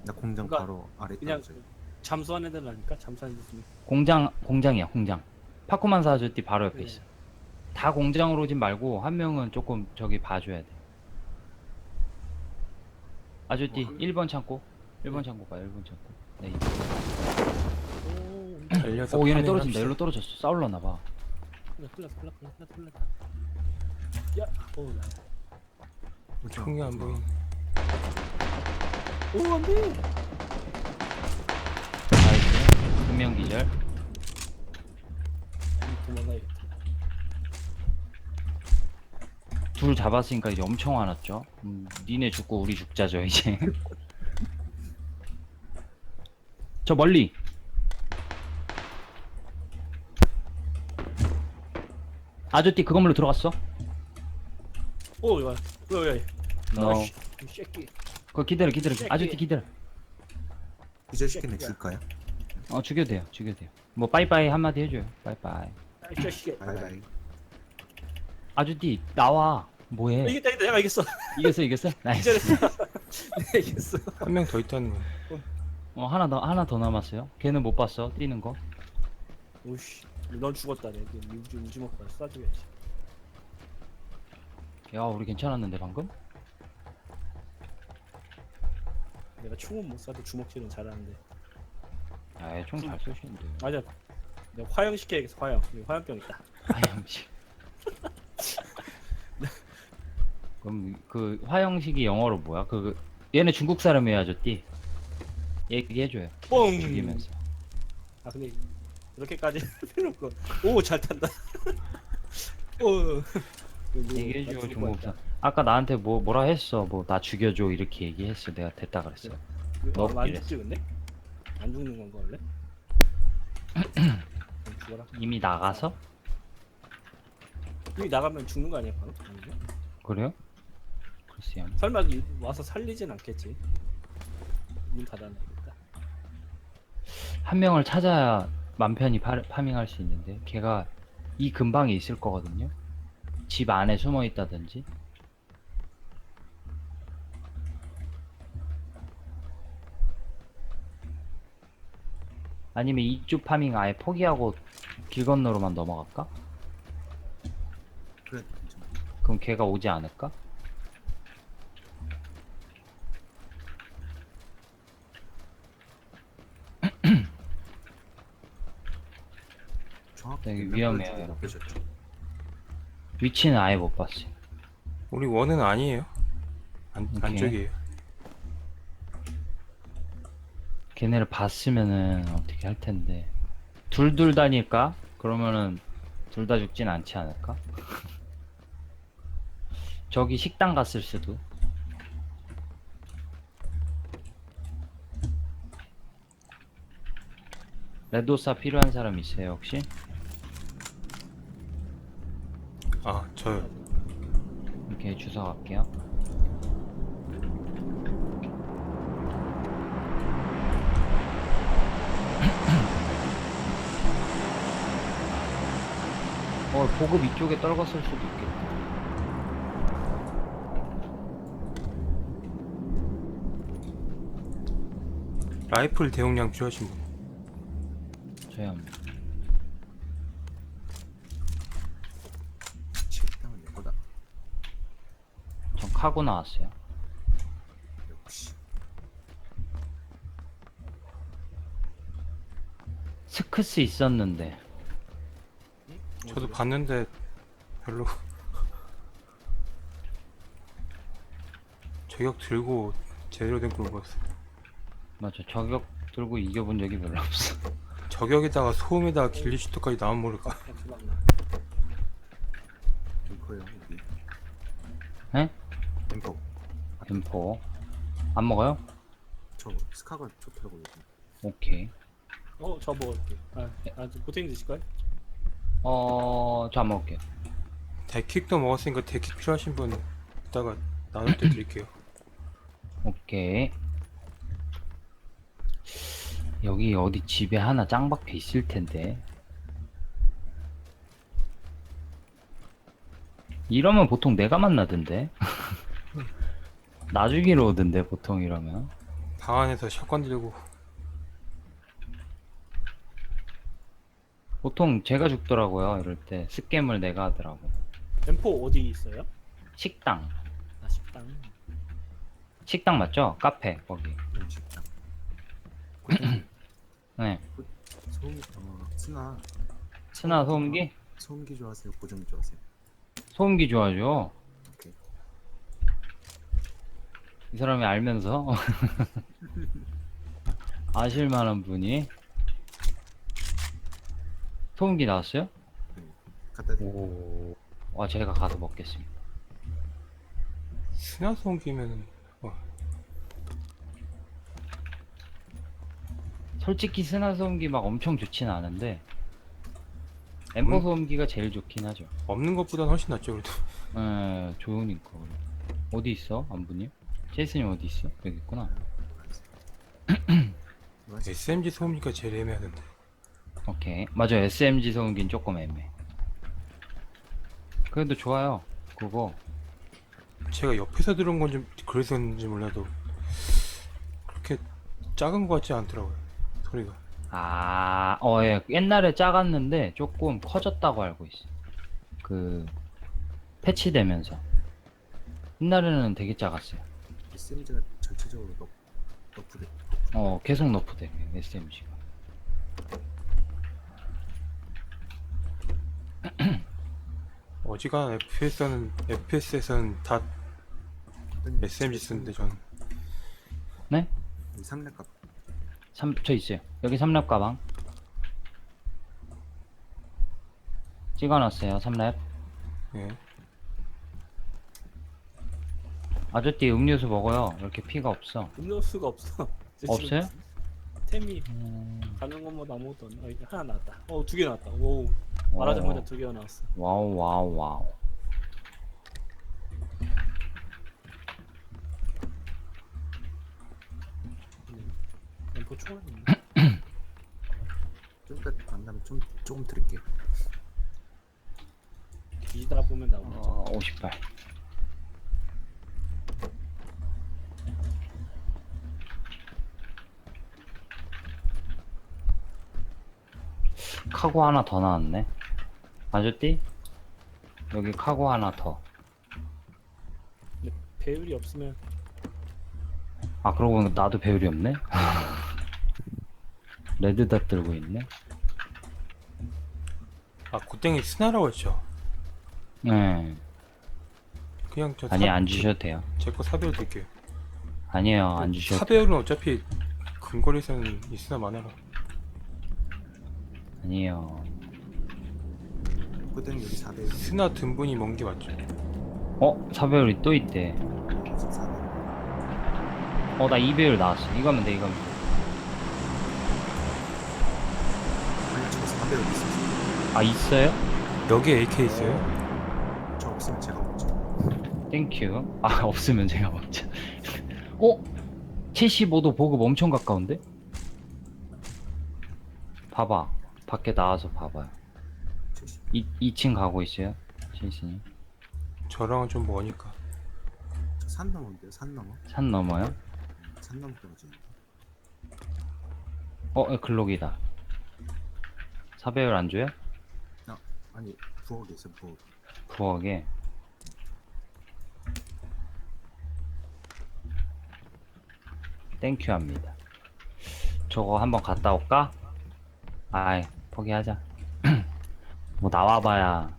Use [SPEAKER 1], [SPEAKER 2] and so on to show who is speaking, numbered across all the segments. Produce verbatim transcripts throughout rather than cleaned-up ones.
[SPEAKER 1] 나 공장
[SPEAKER 2] 그러니까
[SPEAKER 1] 바로 아래
[SPEAKER 2] 그냥
[SPEAKER 1] 떨어져.
[SPEAKER 2] 잠수하는 애들라니까. 잠수하는 애들.
[SPEAKER 3] 공장 공장이야 공장. 파코만 사주띠 바로 옆에
[SPEAKER 2] 네.
[SPEAKER 3] 있어. 다 공장으로 오진 말고 한 명은 조금 저기 봐줘야 돼. 아주띠
[SPEAKER 1] 어, 한-
[SPEAKER 3] 일 번 창고. 일 번
[SPEAKER 2] 네.
[SPEAKER 3] 창고 가 일 번 창고. 네.
[SPEAKER 2] 오,
[SPEAKER 4] 달려서
[SPEAKER 3] 오 얘네
[SPEAKER 4] 파밍을
[SPEAKER 3] 떨어진다.
[SPEAKER 4] 합시다.
[SPEAKER 3] 일로 떨어졌어. 싸울러나 봐.
[SPEAKER 2] 흘렀 흘렀 흘렀 흘렀 흘렀. 야, 오, 나.
[SPEAKER 4] 총이 안 보이네.
[SPEAKER 2] 오, 안 돼.
[SPEAKER 3] 나이스. 분명 기절.
[SPEAKER 2] 도망가야겠다.
[SPEAKER 3] 둘 잡았으니까 이제 엄청 화났죠. 음, 니네 죽고 우리 죽자죠 이제. 저 멀리. 아주띠 그 건물로 들어갔어?
[SPEAKER 2] 오, 야, 야, 야, 야.
[SPEAKER 3] 너.
[SPEAKER 2] 이 새끼.
[SPEAKER 3] 그거 기다려 기다려.
[SPEAKER 2] 새끼.
[SPEAKER 3] 아주띠 기다려.
[SPEAKER 1] 기절시킨 애 줄까요?
[SPEAKER 3] 어 죽여도 돼요 죽여도 돼요. 뭐 빠이빠이 한마디 해줘요. 빠이빠이.
[SPEAKER 2] 이 자식이.
[SPEAKER 1] 바이바이.
[SPEAKER 3] 아주띠 나와. 뭐해?
[SPEAKER 2] 이겼다, 이겼다. 내가 이겼어.
[SPEAKER 3] 이겼어 이겼어? 나이스.
[SPEAKER 2] 기절했어. 내가 이겼어.
[SPEAKER 4] 한 명 더 있다는 거.
[SPEAKER 3] 어 하나 더 하나 더 남았어요. 걔는 못 봤어 뛰는 거.
[SPEAKER 2] 오씨, 넌 죽었다. 내가 우지 우지 먹고 쏴줘야지.
[SPEAKER 3] 야 우리 괜찮았는데 방금?
[SPEAKER 2] 내가 총은 못 쏴도 주먹질은 잘하는데.
[SPEAKER 3] 아이 총잘 쏘시는데.
[SPEAKER 2] 맞아. 내가 화형 시켜야겠어. 화형. 여기 화염병 있다.
[SPEAKER 3] 화형식. 그럼 그 화형식이 영어로 뭐야? 그 얘네 중국 사람이야 아저띠. 얘기해줘요.
[SPEAKER 2] 뻥.
[SPEAKER 3] 죽이면서.
[SPEAKER 2] 아 근데 이렇게까지 필요 없고. 오, 잘 탄다. 오.
[SPEAKER 3] 얘기해줘 중국 사람. 아까 나한테 뭐 뭐라 했어? 뭐 나 죽여줘 이렇게 얘기했어. 내가 됐다 그랬어.
[SPEAKER 2] 너
[SPEAKER 3] 너
[SPEAKER 2] 안
[SPEAKER 3] 이랬어.
[SPEAKER 2] 죽지 근데? 안 죽는 건가 원래? 그럼 죽어라.
[SPEAKER 3] 이미 나가서?
[SPEAKER 2] 여기 나가면 죽는 거 아니야 바로? 아니면?
[SPEAKER 3] 그래요? 글쎄요.
[SPEAKER 2] 설마 이- 와서 살리진 않겠지. 문 닫아놔야겠다.
[SPEAKER 3] 한 명을 찾아야 맘 편히 파, 파밍할 수 있는데 걔가 이 근방에 있을 거거든요. 집 안에 숨어 있다든지. 아니면 이쪽 파밍 아예 포기하고 길 건너로만 넘어갈까?
[SPEAKER 1] 그래 괜찮아.
[SPEAKER 3] 그럼 걔가 오지 않을까?
[SPEAKER 1] 정확히
[SPEAKER 3] 여기
[SPEAKER 1] 몇
[SPEAKER 3] 위험해요,
[SPEAKER 1] 발
[SPEAKER 3] 여러분.
[SPEAKER 1] 빼셨죠?
[SPEAKER 3] 위치는 아예 못 봤어요.
[SPEAKER 4] 우리 원은 아니에요. 안,
[SPEAKER 3] 오케이.
[SPEAKER 4] 안쪽이에요.
[SPEAKER 3] 걔네를 봤으면은 어떻게 할 텐데. 둘둘 다닐까? 그러면은 둘 다 죽진 않지 않을까? 저기 식당 갔을 수도. 레도사 필요한 사람 있어요 혹시?
[SPEAKER 4] 아, 저요.
[SPEAKER 3] 이렇게 주워 갈게요. 어 보급 이쪽에 떨궜을 수도 있겠다.
[SPEAKER 4] 라이플 대용량 필요하신 분.
[SPEAKER 3] 저희 한
[SPEAKER 1] 식당은 이거다.
[SPEAKER 3] 전 카고 나왔어요.
[SPEAKER 1] 역시.
[SPEAKER 3] 스크스 있었는데
[SPEAKER 4] 저도 봤는데 별로 저격 들고 제대로 된 걸 못 봤어요.
[SPEAKER 3] 맞아 저격 들고 이겨본 적이 별로 없어.
[SPEAKER 4] 저격에다가 소음에다가 길리슈터까지 나온 모를까.
[SPEAKER 2] 그냥 도망가.
[SPEAKER 1] 엠퍼요 여기.
[SPEAKER 3] 에?
[SPEAKER 1] 엠퍼.
[SPEAKER 3] 엠포 안 먹어요?
[SPEAKER 1] 저 스카가 좋더라고요. 요즘.
[SPEAKER 3] 오케이.
[SPEAKER 2] 어, 저 먹을게. 아, 아, 보탱이 드실까요?
[SPEAKER 3] 어, 저 안 먹을게요.
[SPEAKER 4] 데킥도 먹었으니까 데킥 필요하신 분 이따가 나눌 때 드릴게요.
[SPEAKER 3] 오케이. 여기 어디 집에 하나 짱 박혀 있을 텐데. 이러면 보통 내가 만나던데. 나 죽이러 오던데 보통 이러면.
[SPEAKER 4] 방 안에서 샷건 들고
[SPEAKER 3] 보통 제가 죽더라고요. 이럴 때 스캠을 내가 하더라고.
[SPEAKER 2] 엠포 어디 있어요?
[SPEAKER 3] 식당.
[SPEAKER 2] 아 식당.
[SPEAKER 3] 식당 맞죠? 카페 거기.
[SPEAKER 1] 네, 식당. 고등님
[SPEAKER 3] 네.
[SPEAKER 1] 소음 어 스나
[SPEAKER 3] 스나 소음기?
[SPEAKER 1] 소음기 좋아하세요? 고정기 좋아하세요?
[SPEAKER 3] 소음기 좋아하죠.
[SPEAKER 1] 오케이.
[SPEAKER 3] 이 사람이 알면서 아실 만한 분이 소음기 나왔어요?
[SPEAKER 1] 네. 갖다 드릴게요.
[SPEAKER 3] 오. 와 제가 가서 먹겠습니다.
[SPEAKER 4] 스나 소음기면은 와,
[SPEAKER 3] 솔직히 스나 소음기 막 엄청 좋진 않은데 엠포
[SPEAKER 4] 음.
[SPEAKER 3] 소음기가 제일 좋긴 하죠.
[SPEAKER 4] 없는 것보단 훨씬 낫죠 그래도.
[SPEAKER 3] 에 좋으니까. 어디 있어 안부님? 제이슨님 어디 있어? 여기 있구나.
[SPEAKER 1] 맞아.
[SPEAKER 4] 에스엠지 소음기가 제일 애매하던데.
[SPEAKER 3] 오케이. 맞아 에스엠지 소음기는 조금 애매해. 그래도 좋아요 그거.
[SPEAKER 4] 제가 옆에서 들은 건 좀 그래서인지 몰라도 그렇게 작은 것 같지 않더라고요 소리가.
[SPEAKER 3] 아, 어, 예. 옛날에 작았는데 조금 커졌다고 알고 있어. 그 패치되면서. 옛날에는 되게 작았어요.
[SPEAKER 1] 에스엠지가 전체적으로 너 너프돼.
[SPEAKER 3] 어, 계속 너프돼 에스엠지가.
[SPEAKER 4] 어지간한 에프피에스는 에프피에스에서는 다 에스엠지 쓰는데 저는
[SPEAKER 3] 네?
[SPEAKER 1] 삼 렙값
[SPEAKER 3] 삼, 저 있어요. 여기 삼 렙 가방. 찍어놨어요. 삼 렙.
[SPEAKER 4] 예.
[SPEAKER 3] 아저띠 음료수 먹어요. 이렇게 피가 없어.
[SPEAKER 2] 음료수가 없어. 제 지금
[SPEAKER 3] 없어요?
[SPEAKER 2] 템이
[SPEAKER 3] 음,
[SPEAKER 2] 가는 것마다 아무것도 없네. 어, 이제 하나 나왔다. 어 두 개 나왔다. 오 말하자마자
[SPEAKER 3] 어,
[SPEAKER 2] 두 개가 나왔어.
[SPEAKER 3] 와우 와우 와우.
[SPEAKER 2] 엠포 총알 있네.
[SPEAKER 1] 좀 이따 만나면 좀 조금 드릴게요.
[SPEAKER 2] 뒤지다 보면 나오겠죠.
[SPEAKER 3] 어, 오십팔. 카고 하나 더 나왔네. 아저띠? 여기 카고 하나 더.
[SPEAKER 2] 근데 배율이 없으면
[SPEAKER 3] 아 그러고 보니까 나도 배율이 없네. 레드닷 들고 있네.
[SPEAKER 4] 아 고땡이 스나라고 했죠.
[SPEAKER 3] 네.
[SPEAKER 4] 그냥 저
[SPEAKER 3] 아니 안 주셔도 돼요.
[SPEAKER 4] 제거 사배율 드릴게요.
[SPEAKER 3] 아니에요 안 주셔도 돼요.
[SPEAKER 4] 사배율은 어차피 근거리에서는 이 스나 많아라.
[SPEAKER 3] 아니에요.
[SPEAKER 1] 고등 여기 사 배
[SPEAKER 4] 스나 등분이 먼 게 맞죠.
[SPEAKER 3] 어? 사배율이 또 있대.
[SPEAKER 1] 사 배.
[SPEAKER 3] 어 나 이 배율 나왔어. 이거면 돼 이거면 돼.
[SPEAKER 1] 아니 저 사 배 어디 있어요?
[SPEAKER 3] 아 있어요?
[SPEAKER 4] 여기 에이케이 있어요?
[SPEAKER 1] 저 없으면 제가 먹죠.
[SPEAKER 3] 땡큐. 아 없으면 제가 먹자. 어? 칠십오 도 보급 엄청 가까운데? 봐봐. 밖에 나와서 봐봐요.
[SPEAKER 1] 칠십.
[SPEAKER 3] 이, 이 층 가고 있어요. 제이슨이.
[SPEAKER 4] 저랑은 좀 머니까.
[SPEAKER 1] 저산 넘은데요? 산 넘어?
[SPEAKER 3] 산 넘어요?
[SPEAKER 1] 산 넘어 떨어지는데.
[SPEAKER 3] 어 글록이다. 사배율 안 줘요?
[SPEAKER 1] 아니 부엌에 있어 부엌.
[SPEAKER 3] 부엌에. 땡큐 합니다. 저거 한번 갔다 올까? 아이 포기하자. 뭐 나와봐야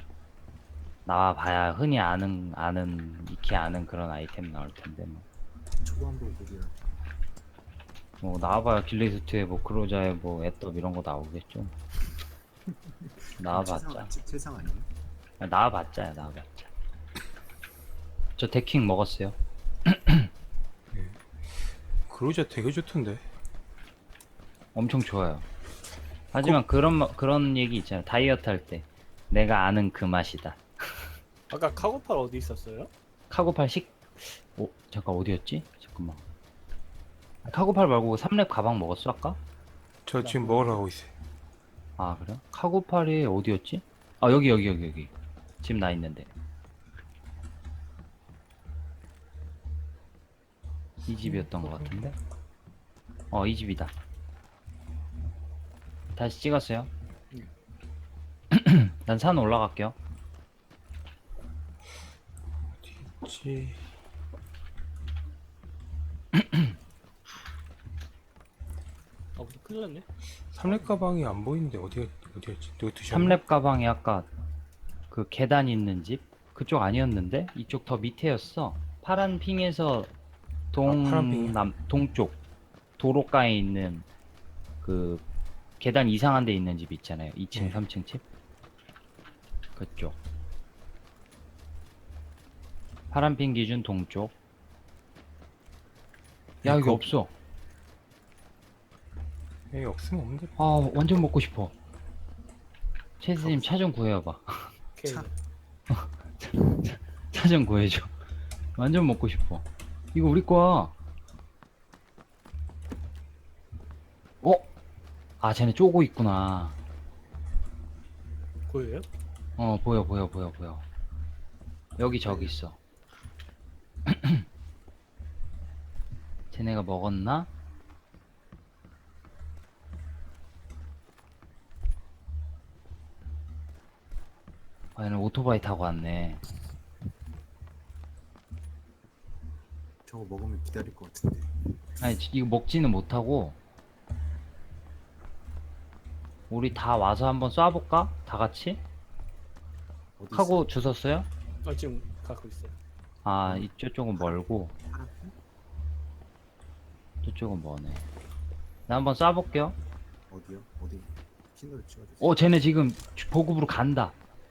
[SPEAKER 3] 나와봐야 흔히 아는 아는 익히 아는 그런 아이템 나올 텐데 뭐,
[SPEAKER 1] 초반 부엌이라.
[SPEAKER 3] 뭐 나와봐야 길리스트에 뭐 크로자에 뭐 애떡 이런 거 나오겠죠. 나와봤자.
[SPEAKER 1] 세상 아니에요?
[SPEAKER 3] 아, 나와봤자야 나와봤자. 저 데킹 먹었어요.
[SPEAKER 4] 그로자 되게 좋던데.
[SPEAKER 3] 엄청 좋아요. 하지만 그런 마- 그런 얘기 있잖아요. 다이어트 할 때 내가 아는 그 맛이다.
[SPEAKER 2] 아까 카고팔 어디 있었어요?
[SPEAKER 3] 카고팔 식. 오 잠깐 어디였지? 잠깐만. 카고팔 말고 삼 렙 가방 먹었어 아까?
[SPEAKER 4] 저 지금 먹으러 가고 있어요.
[SPEAKER 3] 아 그래? 카고팔이 어디였지? 아 여기 여기 여기 여기. 지금 나 있는데. 이 집이었던 것 같은데. 어, 이 집이다. 다시 찍었어요. 난 산 올라갈게요.
[SPEAKER 4] 지
[SPEAKER 2] 아 무슨 큰일 났네.
[SPEAKER 4] 삼렙 가방이 안 보이는데 어디가 어디였지? 누가 드셨나?
[SPEAKER 3] 삼렙 가방이 아까 그 계단 있는 집? 그쪽 아니었는데? 이쪽 더 밑에였어. 파란 핑에서
[SPEAKER 4] 아, 파란 핑이요?
[SPEAKER 3] 동남 동쪽 도로가에 있는 그 계단 이상한 데 있는 집 있잖아요. 이 층,
[SPEAKER 4] 네.
[SPEAKER 3] 삼 층 집. 그쪽. 파란 핑 기준 동쪽. 야, 여기
[SPEAKER 4] 거-
[SPEAKER 3] 없어.
[SPEAKER 4] 여기 없으면 없는데.
[SPEAKER 3] 아, 완전 먹고 싶어. 채스님 차 좀 구해와봐.
[SPEAKER 2] 오케이.
[SPEAKER 1] 차.
[SPEAKER 3] 차 좀 구해줘. 완전 먹고 싶어. 이거 우리 거야. 어? 아, 쟤네 쪼고 있구나.
[SPEAKER 2] 보여요?
[SPEAKER 3] 어, 보여, 보여, 보여, 보여. 여기 저기 있어. 쟤네가 먹었나? 아, 얘는 오토바이 타고 왔네.
[SPEAKER 1] 저거 먹으면 기다릴 것 같은데.
[SPEAKER 3] 아니, 지- 이거 먹지는 못하고, 우리 다 와서 한번 쏴볼까? 다 같이?
[SPEAKER 1] 어디 있어?
[SPEAKER 3] 하고 주웠어요?
[SPEAKER 2] 아 지금 갖고 있어요.
[SPEAKER 3] 아, 이쪽은 멀고,
[SPEAKER 1] 파란 핑?
[SPEAKER 3] 저쪽은 머네. 나 한번 쏴볼게요.
[SPEAKER 1] 어디요? 어디? 킨으로 찍어주세요.
[SPEAKER 3] 어, 쟤네 지금 주- 보급으로 간다.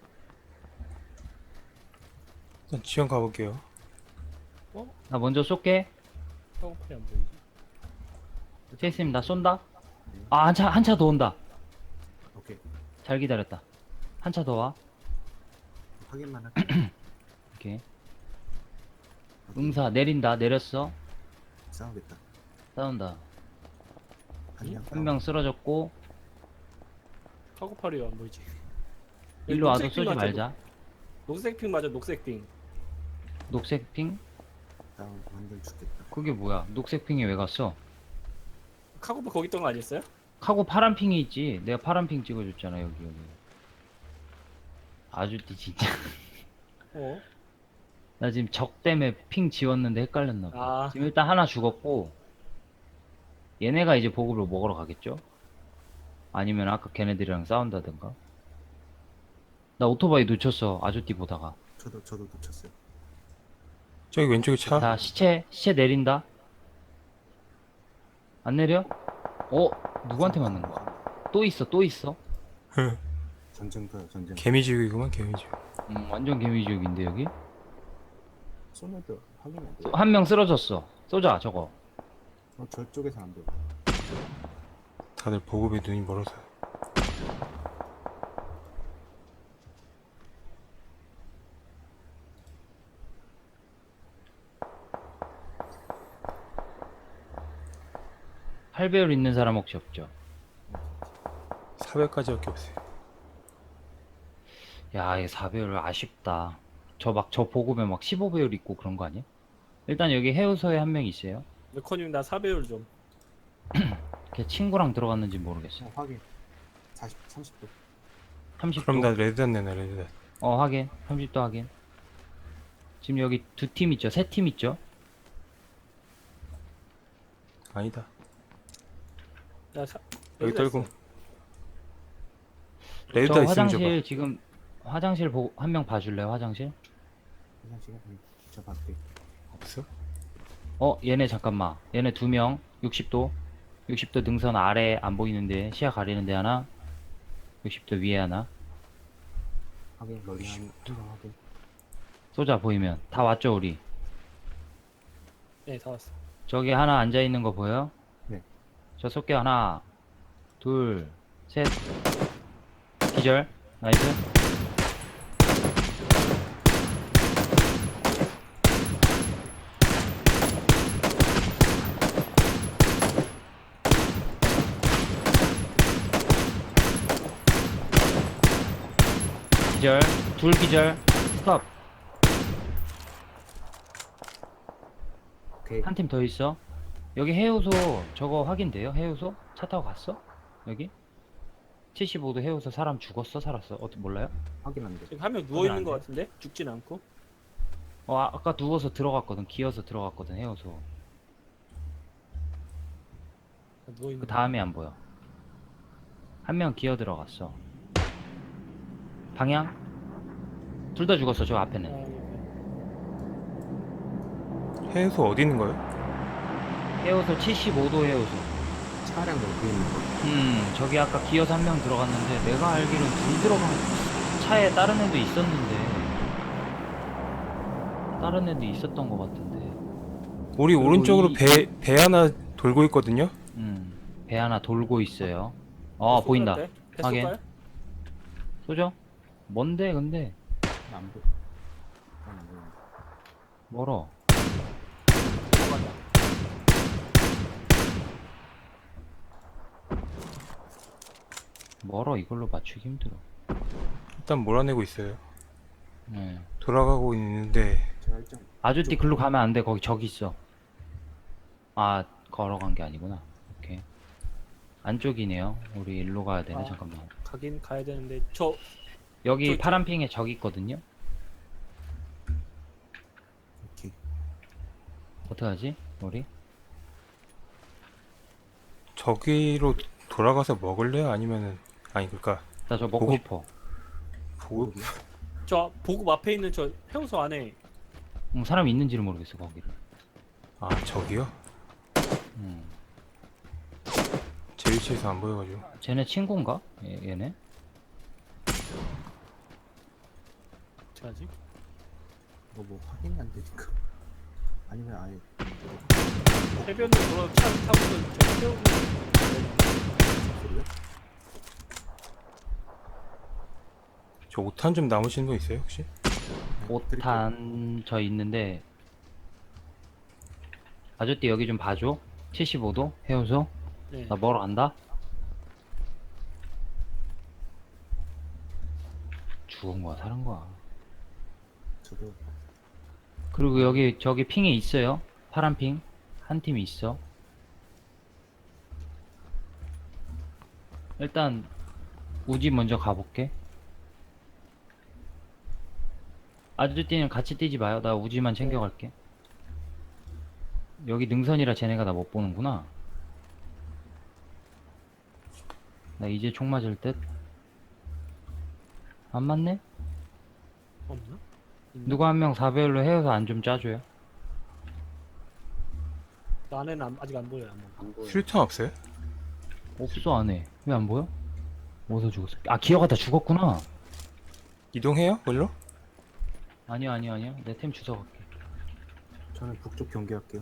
[SPEAKER 4] 일단 지원 가볼게요.
[SPEAKER 3] 나 먼저 쏠게.
[SPEAKER 2] 카고팔이 안 보이지?
[SPEAKER 3] 제이스님, 나 쏜다. 아, 한 차, 한 차 더 온다.
[SPEAKER 1] 오케이.
[SPEAKER 3] 잘 기다렸다. 한 차 더 와.
[SPEAKER 1] 확인만 할게.
[SPEAKER 3] 오케이.
[SPEAKER 1] 어디?
[SPEAKER 3] 응사, 내린다. 내렸어.
[SPEAKER 1] 싸우겠다.
[SPEAKER 3] 싸운다.
[SPEAKER 1] 한명
[SPEAKER 3] 한 명 쓰러졌고,
[SPEAKER 2] 카고팔이 안 보이지?
[SPEAKER 3] 일로 와도
[SPEAKER 2] 녹색 핑
[SPEAKER 3] 쏘지
[SPEAKER 2] 맞아,
[SPEAKER 3] 말자.
[SPEAKER 2] 녹색 핑 맞아, 녹색 핑.
[SPEAKER 3] 녹색 핑?
[SPEAKER 1] 다운 완전 죽겠다.
[SPEAKER 3] 그게 뭐야? 녹색 핑이 왜 갔어?
[SPEAKER 2] 카고팔 거기 있던 거 아니었어요?
[SPEAKER 3] 하고 파란 핑이 있지. 내가 파란 핑 찍어줬잖아, 여기, 여기. 아주띠, 진짜.
[SPEAKER 2] 어?
[SPEAKER 3] 나 지금 적 때문에 핑 지웠는데 헷갈렸나 봐.
[SPEAKER 2] 아.
[SPEAKER 3] 지금 일단 하나 죽었고, 얘네가 이제 보급을 먹으러 가겠죠? 아니면 아까 걔네들이랑 싸운다든가. 나 오토바이 놓쳤어, 아주띠 보다가.
[SPEAKER 1] 저도 저도 놓쳤어요.
[SPEAKER 4] 저기 왼쪽에 차.
[SPEAKER 3] 자, 시체, 시체 내린다. 안 내려? 어? 누구한테 맞는 거야? 또 있어, 또 있어.
[SPEAKER 1] 전쟁터요 전쟁.
[SPEAKER 4] 개미지옥이구만 개미지옥.
[SPEAKER 3] 음, 완전 개미지옥인데, 여기?
[SPEAKER 1] 소녀도 확인해야 돼.
[SPEAKER 3] 한 명 쓰러졌어. 쏘자, 저거.
[SPEAKER 1] 어, 저쪽에서 안 보여.
[SPEAKER 4] 다들 보급에 눈이 멀어서.
[SPEAKER 3] 팔 배율 있는 사람 혹시 없죠?
[SPEAKER 4] 사백까지밖에 없어요.
[SPEAKER 3] 야, 이사 배율 아쉽다. 저 막, 저 보급에 막 십오 배율 있고 그런 거 아니야? 일단 여기 해우소에 한 명 있어요.
[SPEAKER 2] 메커님 나 사 배율 좀.
[SPEAKER 3] 걔 친구랑 들어갔는지 모르겠어.
[SPEAKER 1] 어, 확인. 사십, 삼십 도.
[SPEAKER 3] 삼십 도.
[SPEAKER 4] 그럼 나 레드단 내놔 레드단.
[SPEAKER 3] 어, 확인. 삼십 도 확인. 지금 여기 두 팀 있죠? 세 팀 있죠?
[SPEAKER 4] 아니다.
[SPEAKER 2] 야, 사,
[SPEAKER 4] 여기
[SPEAKER 2] 어디다
[SPEAKER 4] 떨고.
[SPEAKER 2] 있어?
[SPEAKER 3] 저
[SPEAKER 4] 레드단 있으면
[SPEAKER 3] 화장실
[SPEAKER 4] 줘봐.
[SPEAKER 3] 지금 화장실 보, 한 명 봐줄래요? 화장실?
[SPEAKER 1] 그냥 지금 저 밖에.
[SPEAKER 4] 없어?
[SPEAKER 3] 어, 얘네 잠깐만. 얘네 두 명. 육십 도. 육십 도 능선 아래 안 보이는데 시야 가리는데 하나. 육십 도 위에 하나.
[SPEAKER 1] 확인. 머리 한, 한명 확인.
[SPEAKER 3] 쏘자 보이면. 다 왔죠 우리.
[SPEAKER 2] 네, 다 왔어.
[SPEAKER 3] 저기 하나 앉아 있는 거 보여?
[SPEAKER 1] 네.
[SPEAKER 3] 저 쏠게. 하나, 둘, 셋. 기절. 나이스. 기절. 둘 기절. 스톱.
[SPEAKER 1] 오케이.
[SPEAKER 3] 한 팀 더 있어. 여기 해우소 저거 확인돼요? 해우소? 차 타고 갔어? 여기? 칠십오 도 해우소 사람 죽었어? 살았어? 어떻게 몰라요?
[SPEAKER 1] 확인 안 돼.
[SPEAKER 2] 지금 한 명 누워 있는 것 같은데 죽진 않고.
[SPEAKER 3] 어 아, 아까 누워서 들어갔거든. 기어서 들어갔거든 해우소.
[SPEAKER 2] 누워 있는.
[SPEAKER 3] 그 다음에 안 보여. 한 명 기어 들어갔어. 방향? 둘 다 죽었어 저 앞에는.
[SPEAKER 4] 해수 어디 있는 거예요?
[SPEAKER 3] 해우소 칠십오 도 해우소.
[SPEAKER 1] 차량 옆에 있는 거.
[SPEAKER 3] 음 저기 아까 기어서 한 명 들어갔는데 내가 알기로는 둘 들어간 차에 다른 애도 있었는데 다른 애도 있었던 것 같은데.
[SPEAKER 4] 우리
[SPEAKER 3] 그리고
[SPEAKER 4] 오른쪽으로
[SPEAKER 3] 이-
[SPEAKER 4] 배, 배 하나 돌고 있거든요?
[SPEAKER 3] 음배 하나 돌고 있어요. 어 보인다. 확인.
[SPEAKER 2] 뱃속가요?
[SPEAKER 3] 쏘죠? 뭔데 근데
[SPEAKER 1] 안 보여. 안 보여.
[SPEAKER 3] 멀어.
[SPEAKER 2] 들어간다.
[SPEAKER 3] 멀어. 이걸로 맞추기 힘들어.
[SPEAKER 4] 일단 몰아내고 있어요.
[SPEAKER 3] 네.
[SPEAKER 4] 돌아가고 있는데
[SPEAKER 1] 제가 일정
[SPEAKER 3] 아주띠 글로 가면 안 돼. 거기 저기 있어. 아 걸어간 게 아니구나. 오케이. 안쪽이네요. 우리 일로 가야 되네.
[SPEAKER 2] 아.
[SPEAKER 3] 잠깐만.
[SPEAKER 2] 가긴 가야 되는데 저
[SPEAKER 3] 여기
[SPEAKER 2] 저-
[SPEAKER 3] 파란 핑에 저기 있거든요.
[SPEAKER 1] 오케이.
[SPEAKER 3] 어떡하지? 우리?
[SPEAKER 4] 저기로 돌아가서 먹을래요? 아니면은 아니 그니까
[SPEAKER 3] 나 저 먹고
[SPEAKER 4] 보급-
[SPEAKER 3] 싶어.
[SPEAKER 4] 보급
[SPEAKER 2] 저 보급 앞에 있는 저 해우소 안에
[SPEAKER 3] 음, 사람 있는지를 모르겠어 거기를.
[SPEAKER 4] 아 저기요?
[SPEAKER 3] 음.
[SPEAKER 4] 제 위치에서 안 보여가지고
[SPEAKER 3] 쟤네 친구인가? 얘, 얘네?
[SPEAKER 2] 어떡하지?
[SPEAKER 1] 뭐, 뭐 확인이 안 되니까. 아니면 아예
[SPEAKER 2] 해변으로 돌아 차 타고서 저 세우고
[SPEAKER 1] 소리요?
[SPEAKER 4] 저 오탄 좀 남으시는 분 있어요 혹시?
[SPEAKER 3] 오탄 저 있는데 아저띠 여기 좀 봐줘. 칠십오 도 해우소.
[SPEAKER 2] 네.
[SPEAKER 3] 나 먹으러 간다. 죽은 거야 사는 거야.
[SPEAKER 1] 저도
[SPEAKER 3] 그리고 여기 저기 핑에 있어요. 파란 핑 한 팀이 있어. 일단 우지 먼저 가볼게. 아저띠는 같이 뛰지 마요. 나 우지만 챙겨갈게. 여기 능선이라 쟤네가 나 못 보는구나. 나 이제 총 맞을 듯. 안 맞네?
[SPEAKER 2] 없나?
[SPEAKER 3] 누구 한 명 사 배율로 헤어서 안 좀 짜줘요.
[SPEAKER 2] 나 안에는 안- 아직 안 보여요. 안 보여.
[SPEAKER 1] 안 보여.
[SPEAKER 4] 수류탄 없어요?
[SPEAKER 3] 없어 안에. 왜 안 보여? 어디서 죽었어? 아 기어가다 죽었구나.
[SPEAKER 4] 이동해요? 걸로?
[SPEAKER 3] 아니요 아니요 아니요. 내 템 주워 갈게.
[SPEAKER 1] 저는 북쪽 경계할게요.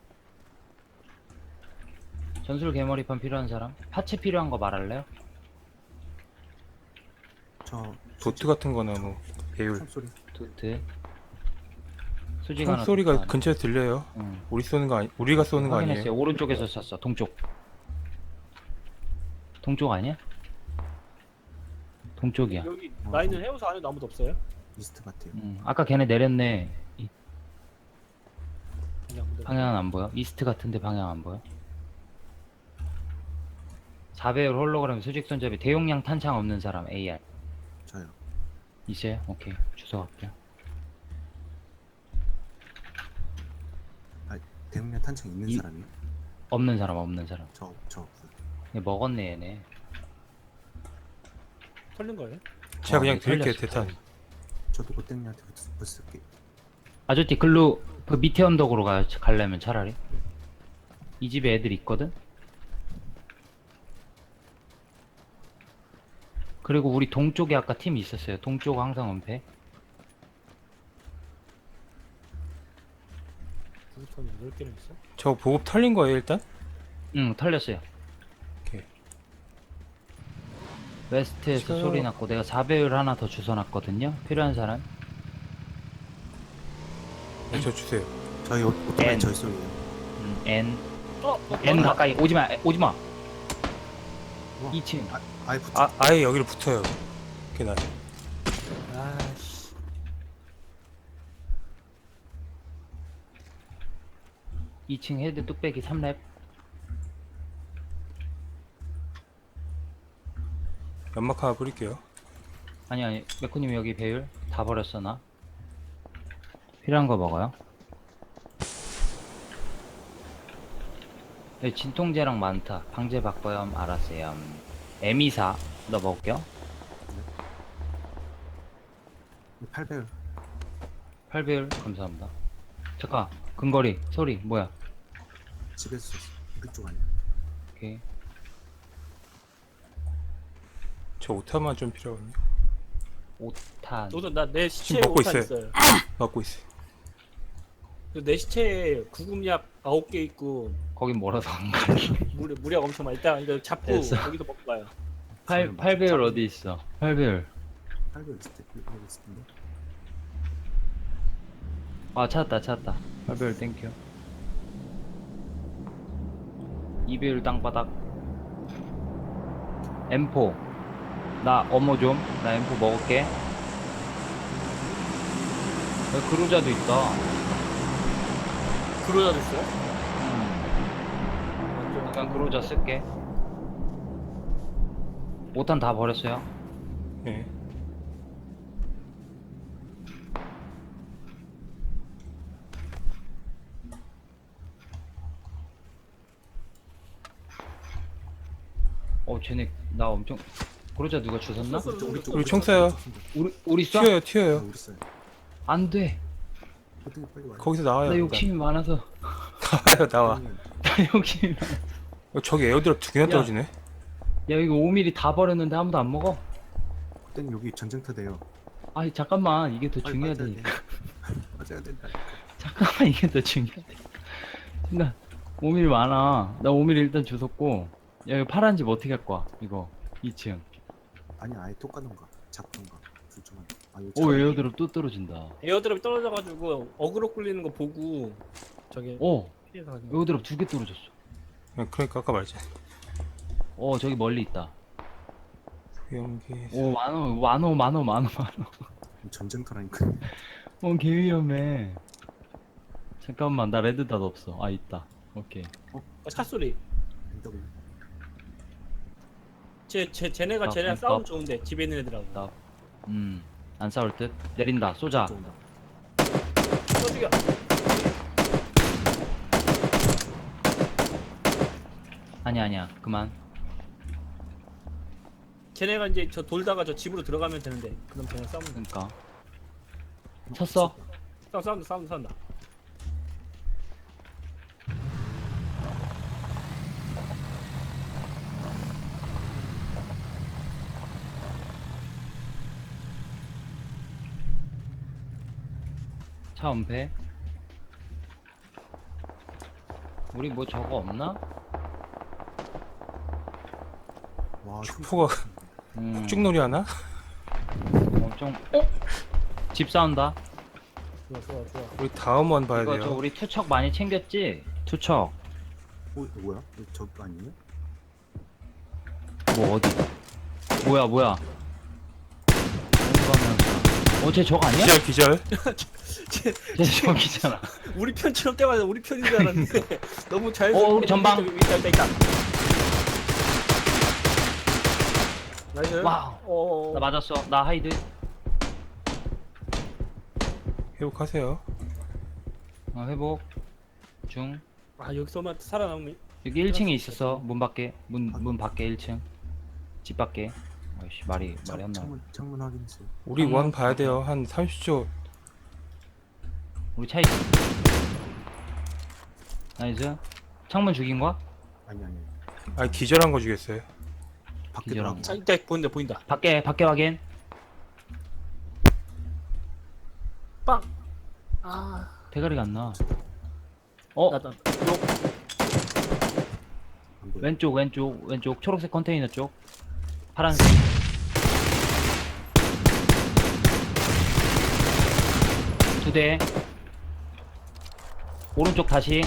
[SPEAKER 3] 전술 개머리판 필요한 사람? 파츠 필요한 거 말할래요?
[SPEAKER 1] 저
[SPEAKER 4] 도트 같은 거나 뭐 배율
[SPEAKER 1] 총소리.
[SPEAKER 3] 도트. 수지가 하나
[SPEAKER 4] 총소리가
[SPEAKER 3] 도트
[SPEAKER 4] 근처에 들려요.
[SPEAKER 3] 응.
[SPEAKER 4] 우리 쏘는 거 아니 우리가 쏘는 거
[SPEAKER 3] 확인했어요.
[SPEAKER 4] 아니에요?
[SPEAKER 3] 오른쪽에서 쐈어. 동쪽. 동쪽 아니야? 동쪽이야.
[SPEAKER 2] 여기
[SPEAKER 1] 어,
[SPEAKER 2] 나 있는 해우소 안에도 아무도 없어요?
[SPEAKER 1] 이스트 같아요.
[SPEAKER 3] 응. 아까 걔네 내렸네. 이-
[SPEAKER 2] 아니 아무도.
[SPEAKER 3] 방향은 안 보여. 이스트 같은데 방향 안 보여. 사 배율 홀로그램 수직 손잡이 대용량 탄창 없는 사람 에이알
[SPEAKER 1] 저요.
[SPEAKER 3] 있어요? 오케이 주워 갈게요.
[SPEAKER 1] 대문면 탄창 있는
[SPEAKER 3] 이-
[SPEAKER 1] 사람이요?
[SPEAKER 3] 없는 사람 없는 사람.
[SPEAKER 1] 저, 저 없어요.
[SPEAKER 3] 얘 먹었네 얘네.
[SPEAKER 2] 털린 거예요?
[SPEAKER 4] 제가
[SPEAKER 3] 어,
[SPEAKER 4] 그냥
[SPEAKER 3] 네,
[SPEAKER 4] 드릴게요
[SPEAKER 3] 털렸어.
[SPEAKER 4] 대탄.
[SPEAKER 1] 저도 고땡이한테 붙을게요.
[SPEAKER 3] 아저띠 글로 그 밑에 언덕으로 가 가려면 차라리 이 집에 애들 있거든. 그리고 우리 동쪽에 아까 팀 있었어요. 동쪽 항상 은폐.
[SPEAKER 2] 구급탄 여덟 개나 있어?
[SPEAKER 4] 저 보급 털린 거예요 일단?
[SPEAKER 3] 응 털렸어요.
[SPEAKER 4] 오케이.
[SPEAKER 3] 웨스트에서
[SPEAKER 4] 저요.
[SPEAKER 3] 소리 났고 내가 사 배율 하나 더 주워놨거든요. 필요한 사람?
[SPEAKER 4] 네, 저 주세요.
[SPEAKER 1] 저희 오- 오토바이
[SPEAKER 3] N.
[SPEAKER 1] 저희 소리예요.
[SPEAKER 3] 음, N
[SPEAKER 2] 어, 어
[SPEAKER 3] N
[SPEAKER 2] 맞다.
[SPEAKER 3] 가까이 오지마 오지마.
[SPEAKER 1] 우와.
[SPEAKER 3] 이 층.
[SPEAKER 1] 아, 아예 붙.
[SPEAKER 4] 아 아예 여기로 붙어요. 이렇게 나.
[SPEAKER 2] 아씨.
[SPEAKER 3] 이 층 헤드 뚝배기 삼 렙.
[SPEAKER 4] 연막 하나 뿌릴게요.
[SPEAKER 3] 아니 아니 메코님 여기 배율 다 버렸어 나. 필요한 거 먹어요. 여기 진통제랑 많다. 방제 바꿔요. 알았어요. 에미사 너 먹을게요.
[SPEAKER 1] 팔 배율.
[SPEAKER 3] 팔 배율 감사합니다. 잠깐 근거리 소리 뭐야?
[SPEAKER 1] 집에서 쐈어. 우리 쪽 아니야.
[SPEAKER 3] 오케이.
[SPEAKER 4] 저 오타만 좀 필요하거든요.
[SPEAKER 3] 오탄.
[SPEAKER 2] 너도 나 내 시체에
[SPEAKER 4] 지금 먹고
[SPEAKER 2] 오탄
[SPEAKER 4] 있어요.
[SPEAKER 2] 있어요.
[SPEAKER 4] 먹고 있어요.
[SPEAKER 2] 그리고 내 시체에 구급약 아홉 개 있고
[SPEAKER 3] 거긴 멀어서 안 가니.
[SPEAKER 2] 무력 무력 엄청 많아. 일단 이거 잡고
[SPEAKER 3] 됐어.
[SPEAKER 2] 거기서 먹고 가요.
[SPEAKER 3] 팔, 팔 배율 어디 있어? 팔 배율.
[SPEAKER 1] 팔 배율 있을 때 여기 있을 텐데.
[SPEAKER 3] 아 찾았다 찾았다. 팔 배율 땡큐. 이 배율 땅바닥. 엠포. 나 어머 좀. 나 엠포 먹을게. 여기 그루자도 있다.
[SPEAKER 2] 그러자도 있어요?
[SPEAKER 3] 음. 잠깐 그루자 쓸게. 오탄 다 버렸어요.
[SPEAKER 4] 예.
[SPEAKER 3] 어 쟤네 나 엄청 그루자 누가 주웠나?
[SPEAKER 2] 쏘, 쏘,
[SPEAKER 1] 우리 쪽.
[SPEAKER 4] 우리 총 쏴요.
[SPEAKER 3] 우리 우리 쏴?
[SPEAKER 4] 튀어요,
[SPEAKER 1] 아,
[SPEAKER 4] 튀어요.
[SPEAKER 1] 우리 쏴요.
[SPEAKER 3] 안돼.
[SPEAKER 1] 어떻게 빨리 와요.
[SPEAKER 4] 거기서 나와요.
[SPEAKER 3] 나
[SPEAKER 4] 일단.
[SPEAKER 3] 욕심이 많아서.
[SPEAKER 4] 나와요, 나와.
[SPEAKER 1] 아니면
[SPEAKER 3] 나 욕심이 많아.
[SPEAKER 4] 어, 저기 에어드랍 두 개나
[SPEAKER 3] 야.
[SPEAKER 4] 떨어지네.
[SPEAKER 3] 야 이거 오 밀리미터 다 버렸는데 아무도 안 먹어?
[SPEAKER 1] 그땐 여기 전쟁터 돼요.
[SPEAKER 3] 아니 잠깐만 이게 더
[SPEAKER 1] 빨리
[SPEAKER 3] 중요하다니까.
[SPEAKER 1] 맞아야 된다.
[SPEAKER 3] 잠깐만 이게 더 중요하다. 나 오 밀리미터 많아. 나 오 밀리미터 일단 주웠고. 야 이거 파란 집 어떻게 할 거야? 이거 이 층.
[SPEAKER 1] 아니 아예 톡 가던가 잡던가 둘 중 하나. 아, 이거
[SPEAKER 3] 오
[SPEAKER 1] 참-
[SPEAKER 3] 에어드롭 또 떨어진다.
[SPEAKER 2] 에어드롭이 떨어져가지고 어그로 끌리는 거 보고 저기
[SPEAKER 3] 오
[SPEAKER 2] 피해서 가지고.
[SPEAKER 3] 에어드롭 두 개 떨어졌어.
[SPEAKER 4] 예, 그러니까 아까 말했지.
[SPEAKER 3] 어 저기 멀리 있다.
[SPEAKER 4] 연기.
[SPEAKER 3] 오 많어 많어 많어 많어 많어.
[SPEAKER 1] 전쟁터라니까.
[SPEAKER 3] 어 개 위험해. 잠깐만 나 레드닷 없어. 아 있다. 오케이.
[SPEAKER 2] 어, 차 소리.
[SPEAKER 1] 엔더블.
[SPEAKER 2] 쟤, 쟤, 쟤네가
[SPEAKER 3] 아,
[SPEAKER 2] 쟤네랑
[SPEAKER 3] 아,
[SPEAKER 2] 싸움
[SPEAKER 3] 아.
[SPEAKER 2] 좋은데 집에 있는 애들하고.
[SPEAKER 3] 나 음. 안 싸울 듯. 내린다. 쏘자.
[SPEAKER 1] 좀 온다.
[SPEAKER 2] 어, 죽여.
[SPEAKER 3] 아니야 아니야. 그만.
[SPEAKER 2] 쟤네가 이제 저 돌다가 저 집으로 들어가면 되는데 그럼 쟤네 싸우면 돼.
[SPEAKER 3] 그러니까. 쳤어.
[SPEAKER 2] 싸움 싸움다 싸움다 싸움다.
[SPEAKER 3] 차 은폐. 우리 뭐 저거 없나?
[SPEAKER 1] 와,
[SPEAKER 4] 축포가
[SPEAKER 3] 음.
[SPEAKER 4] 쭉놀이 하나?
[SPEAKER 3] 엄청. 어? 집 싸운다.
[SPEAKER 2] 좋아 좋아 좋아.
[SPEAKER 4] 우리 다음 원 봐야
[SPEAKER 3] 이거
[SPEAKER 4] 돼요.
[SPEAKER 3] 저 우리 투척 많이 챙겼지? 투척.
[SPEAKER 1] 어, 이거 뭐야? 이거 저거 아니에요?
[SPEAKER 3] 뭐 어디? 뭐야 뭐야? 어쟤 저거 아니야?
[SPEAKER 4] 기절, 기절.
[SPEAKER 2] 쟤,
[SPEAKER 3] 쟤 저기잖아.
[SPEAKER 2] 우리 편처럼 때마다 우리 편인 줄 알았는데 너무 잘.
[SPEAKER 3] 어, 우리 전방.
[SPEAKER 2] 있다 있다 있다. 나이스.
[SPEAKER 3] 와우.
[SPEAKER 2] 어.
[SPEAKER 3] 나 맞았어. 나 하이드.
[SPEAKER 4] 회복하세요.
[SPEAKER 3] 어, 회복. 중.
[SPEAKER 2] 아 여기서만 살아남으면.
[SPEAKER 3] 여기 일 층에 있었어. 문 밖에. 문 문 밖에 일 층. 집 밖에. 아이씨 말이
[SPEAKER 1] 창-
[SPEAKER 3] 말이 안 나.
[SPEAKER 1] 창문 창문 확인했어요.
[SPEAKER 4] 우리
[SPEAKER 3] 한번
[SPEAKER 4] 원 봐야 돼요. 한 삼십 초.
[SPEAKER 3] 우리 차 있어. 나이스. 창문 죽인 거야?
[SPEAKER 1] 아니 아니.
[SPEAKER 4] 아니, 기절한 거 주겠어요.
[SPEAKER 1] 밖에
[SPEAKER 3] 기절한
[SPEAKER 1] 나가고.
[SPEAKER 2] 자 이때 보인다 보인다.
[SPEAKER 3] 밖에 밖에 확인.
[SPEAKER 2] 빵. 아.
[SPEAKER 3] 대가리가 안 나. 어
[SPEAKER 2] 나다. 요.
[SPEAKER 1] 안 보여.
[SPEAKER 3] 왼쪽 왼쪽 왼쪽 초록색 컨테이너 쪽. 파란색. 두 대. 오른쪽 다시.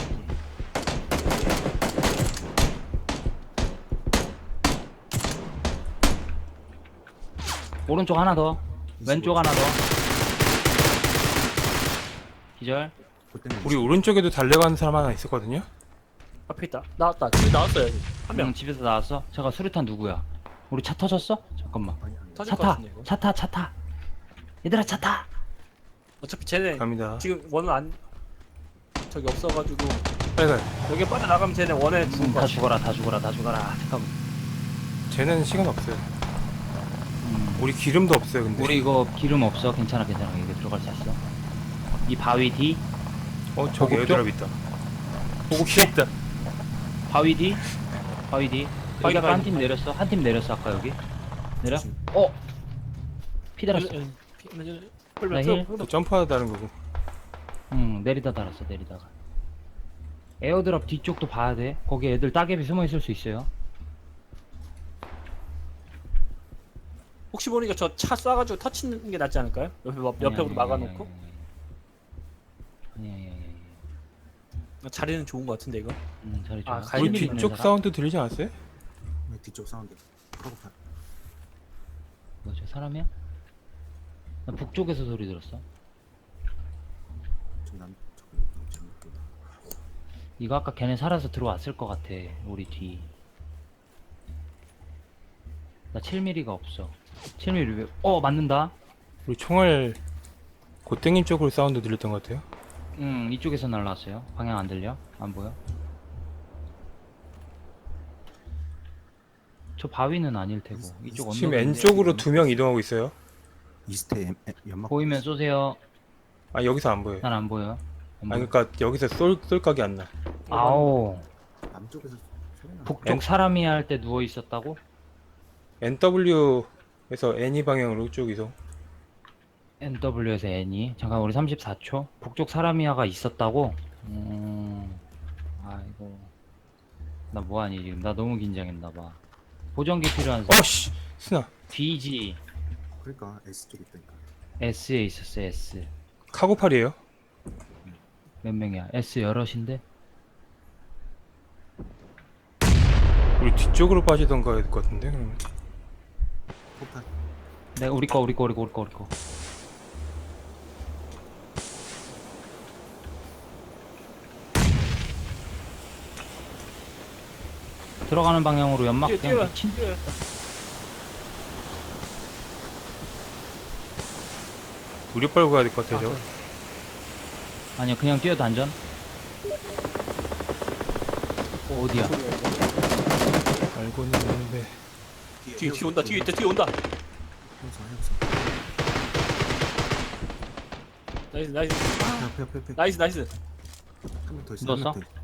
[SPEAKER 3] 오른쪽 하나 더. 왼쪽 하나 더. 기절.
[SPEAKER 1] 그때는
[SPEAKER 4] 우리 오른쪽에도 달려가는 사람 하나 있었거든요.
[SPEAKER 2] 앞에 있다. 나왔다. 지금 나왔어요. 한 명.
[SPEAKER 3] 응, 집에서 나왔어? 잠깐 수류탄 누구야? 우리 차 터졌어? 잠깐만.
[SPEAKER 1] 아니 아니.
[SPEAKER 2] 터질
[SPEAKER 3] 차
[SPEAKER 2] 것
[SPEAKER 3] 타!
[SPEAKER 2] 같은데 이거.
[SPEAKER 3] 차 타! 차 타! 얘들아 차 타!
[SPEAKER 2] 어차피 쟤네
[SPEAKER 4] 갑니다.
[SPEAKER 2] 지금 원은 안 저기 없어가지고
[SPEAKER 4] 빨리 가.
[SPEAKER 2] 여기 빠져 나가면 쟤네 원에 죽을
[SPEAKER 3] 음,
[SPEAKER 2] 거
[SPEAKER 3] 다
[SPEAKER 2] 같아.
[SPEAKER 3] 죽어라 다 죽어라 다 죽어라. 잠깐만.
[SPEAKER 4] 쟤는 시간 없어요.
[SPEAKER 3] 음.
[SPEAKER 4] 우리 기름도 없어요. 근데.
[SPEAKER 3] 우리 이거 기름 없어. 괜찮아 괜찮아. 여기 들어갈 수 있어. 이 바위 뒤?
[SPEAKER 4] 어 저기
[SPEAKER 3] 보급
[SPEAKER 4] 에어드랍 있다. 보급 씨 있다.
[SPEAKER 3] 바위 뒤? 바위 뒤? 여기
[SPEAKER 2] 바위,
[SPEAKER 3] 아까
[SPEAKER 2] 바위,
[SPEAKER 3] 한 팀
[SPEAKER 2] 바위.
[SPEAKER 3] 내렸어. 한 팀 내렸어 아까 여기. 내려? 어? 피 달았어.
[SPEAKER 2] 피- 피-
[SPEAKER 3] 나
[SPEAKER 2] 피-
[SPEAKER 3] 힐.
[SPEAKER 4] 또 점프하다는 거고.
[SPEAKER 3] 응, 내리다 달았어, 내리다가. 에어드랍 뒤쪽도 봐야 돼. 거기 애들 따개비 숨어 있을 수 있어요.
[SPEAKER 2] 혹시 모르니까 저 차 쏴가지고 터치는 게 낫지 않을까요? 옆에 막- 옆에 막아놓고
[SPEAKER 3] 아니, 아니, 아니, 아니.
[SPEAKER 2] 자리는 좋은 것 같은데 이거.
[SPEAKER 3] 응, 자리 좋아.
[SPEAKER 2] 아,
[SPEAKER 4] 우리
[SPEAKER 2] 갈림이
[SPEAKER 3] 칠미리
[SPEAKER 4] 뒤쪽
[SPEAKER 3] 있는 사람?
[SPEAKER 4] 사운드 들리지 않았어요?
[SPEAKER 1] 네, 뒤쪽 사운드. 카고팔.
[SPEAKER 3] 뭐야, 저 사람이야? 나 북쪽에서 소리 들었어.
[SPEAKER 1] 저남 저기 잘못 보다.
[SPEAKER 3] 이거 아까 걔네 살아서 들어왔을 것 같아, 우리 뒤. 나 칠 밀리미터가 없어. 칠 밀리미터 왜, 어, 맞는다?
[SPEAKER 4] 우리 총알 고땡님 쪽으로 사운드 들렸던 것 같아요.
[SPEAKER 3] 응, 이쪽에서 날라왔어요. 방향 안 들려? 안 보여? 저 바위는 아닐 테고. 이쪽
[SPEAKER 4] 지금
[SPEAKER 3] 언덕인데.
[SPEAKER 4] N 쪽으로 두 명 이동하고 있어요.
[SPEAKER 1] 이스트에 엠- 엠- 연막
[SPEAKER 3] 보이면 쏘세요.
[SPEAKER 4] 아 여기서 안 보여요.
[SPEAKER 3] 난 안 보여. 안
[SPEAKER 4] 아
[SPEAKER 3] 보여.
[SPEAKER 4] 그러니까 여기서 쏠 쏠각이 안 나.
[SPEAKER 3] 아오.
[SPEAKER 1] 남쪽에서 소리 나.
[SPEAKER 3] 북쪽
[SPEAKER 4] N-
[SPEAKER 3] 사람이 할 때 누워 있었다고?
[SPEAKER 4] 엔더블유에서 애니 방향으로 쭉 이동.
[SPEAKER 3] 엔더블유에서 N이. 잠깐 우리 삼십사 초. 북쪽 사람이야가 있었다고? 음. 아이고. 나 뭐하니 지금? 나 너무 긴장했나봐. 보정기 필요한 사람.
[SPEAKER 4] 어씨 스나
[SPEAKER 3] 디지.
[SPEAKER 1] 그러니까 S 쪽 있다니까.
[SPEAKER 3] S에 있었어 S.
[SPEAKER 4] 카고팔이에요.
[SPEAKER 3] 몇 명이야? S 여럿인데?
[SPEAKER 4] 우리 뒤쪽으로 빠지던가 해야 될 것 같은데 그러면.
[SPEAKER 1] 폭탄.
[SPEAKER 3] 내가 우리 거 우리 거 우리 거 우리 거 우리 거. 들어가는 방향으로 연막
[SPEAKER 2] 뛰어
[SPEAKER 3] 그냥
[SPEAKER 2] 뛰어.
[SPEAKER 3] 미친.
[SPEAKER 2] 뛰어.
[SPEAKER 4] 우리 빨고 가야 될 것 같아요. 저거.
[SPEAKER 3] 아니야 그냥 뛰어 단전. 어디야?
[SPEAKER 4] 알고는 있는데.
[SPEAKER 2] 뒤에 뒤에 온다. 뒤에 있다. 뒤에 온다.
[SPEAKER 1] 형사 형사.
[SPEAKER 2] 나이스 나이스
[SPEAKER 1] 옆에 옆에 옆에.
[SPEAKER 2] 나이스 나이스.
[SPEAKER 1] 한 명 더 있어.
[SPEAKER 3] 넣었어?
[SPEAKER 1] 한명 더.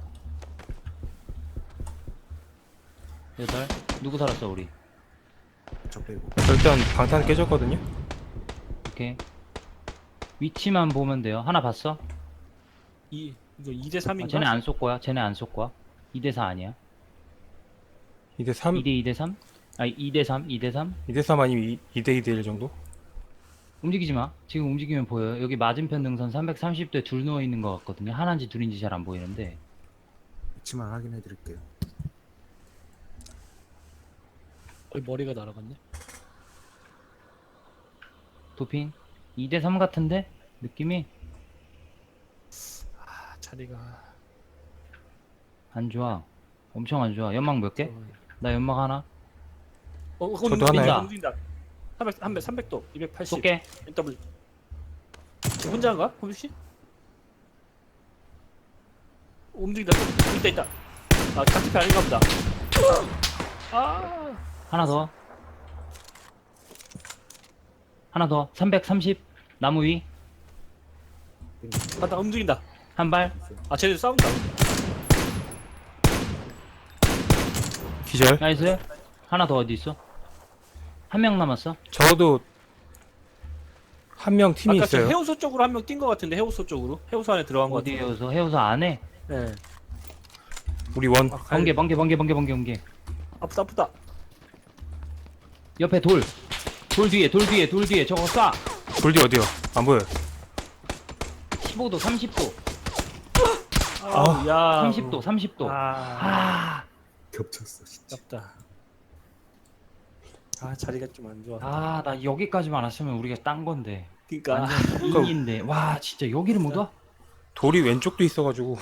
[SPEAKER 1] 있어.
[SPEAKER 3] 여덟. 누구 살았어 우리?
[SPEAKER 1] 저 빼고.
[SPEAKER 4] 일단 방탄 깨졌거든요.
[SPEAKER 3] 오케이. 위치만 보면 돼요. 하나 봤어?
[SPEAKER 2] 이 이거 이 대
[SPEAKER 3] 아,
[SPEAKER 2] 삼인가?
[SPEAKER 3] 쟤네 안 쏠 거야. 쟤네 안 쏠 거야. 이 대 사 아니야.
[SPEAKER 4] 이 대 삼,
[SPEAKER 3] 이 대 이 대 삼? 아니 이 대 삼, 이 대 삼?
[SPEAKER 4] 이 대 삼 아니면 이 대 이 대 일 정도?
[SPEAKER 3] 움직이지 마. 지금 움직이면 보여요. 여기 맞은편 능선 삼백삼십 대 둘 누워 있는 것 같거든요. 하나인지 둘인지 잘 안 보이는데.
[SPEAKER 1] 위치만 확인해 드릴게요.
[SPEAKER 2] 어, 머리가 날아갔네.
[SPEAKER 3] 도핑? 이 대 삼 같은데? 느낌이
[SPEAKER 2] 아 자리가.
[SPEAKER 3] 안 좋아. 엄청 안 좋아. 연막 몇 개?
[SPEAKER 2] 어,
[SPEAKER 3] 나 연막 하나.
[SPEAKER 2] 어,
[SPEAKER 4] 저도 하나요.
[SPEAKER 2] 움직인다. 삼백, 삼백, 삼백 도, 이백팔십.
[SPEAKER 3] 쏠게.
[SPEAKER 2] 엔더블. 혼자인가? 호빈 씨? 움직인다. 있다 있다. 아, 같은 편 아닌가 보다. 아,
[SPEAKER 3] 하나 더. 하나 더. 삼백삼십. 나무 위.
[SPEAKER 2] 맞다. 움직인다.
[SPEAKER 3] 한 발.
[SPEAKER 2] 아, 쟤네 싸운다.
[SPEAKER 4] 기절.
[SPEAKER 3] 나이스. 하나 더 어디 있어? 한 명 남았어.
[SPEAKER 4] 저도 한 명 팀이
[SPEAKER 2] 아까 저
[SPEAKER 4] 있어요.
[SPEAKER 2] 해우소 쪽으로 한 명 뛴 것 같은데 해우소 쪽으로. 해우소 안에 들어간 것 같은데.
[SPEAKER 3] 어디에서 해우서 안에.
[SPEAKER 2] 네.
[SPEAKER 4] 우리 원.
[SPEAKER 2] 아,
[SPEAKER 3] 번개 번개 번개 번개 번개 번개.
[SPEAKER 2] 아프다 아프다.
[SPEAKER 3] 옆에 돌. 돌 뒤에 돌 뒤에 돌 뒤에 저거 쏴.
[SPEAKER 4] 돌디 어디요? 안 보여요.
[SPEAKER 3] 십오 도 삼십 도
[SPEAKER 2] 아, 야.
[SPEAKER 3] 삼십 도 삼십 도.
[SPEAKER 2] 아,
[SPEAKER 3] 아.
[SPEAKER 1] 겹쳤어 진짜.
[SPEAKER 2] 아깝다. 아, 자리가 좀 안 좋아.
[SPEAKER 3] 아, 나 여기까지만 왔으면 우리가 딴 건데.
[SPEAKER 2] 그러니까
[SPEAKER 3] 완전 이인데. 와, 진짜 여기를 못 와?
[SPEAKER 4] 돌이 왼쪽도 있어가지고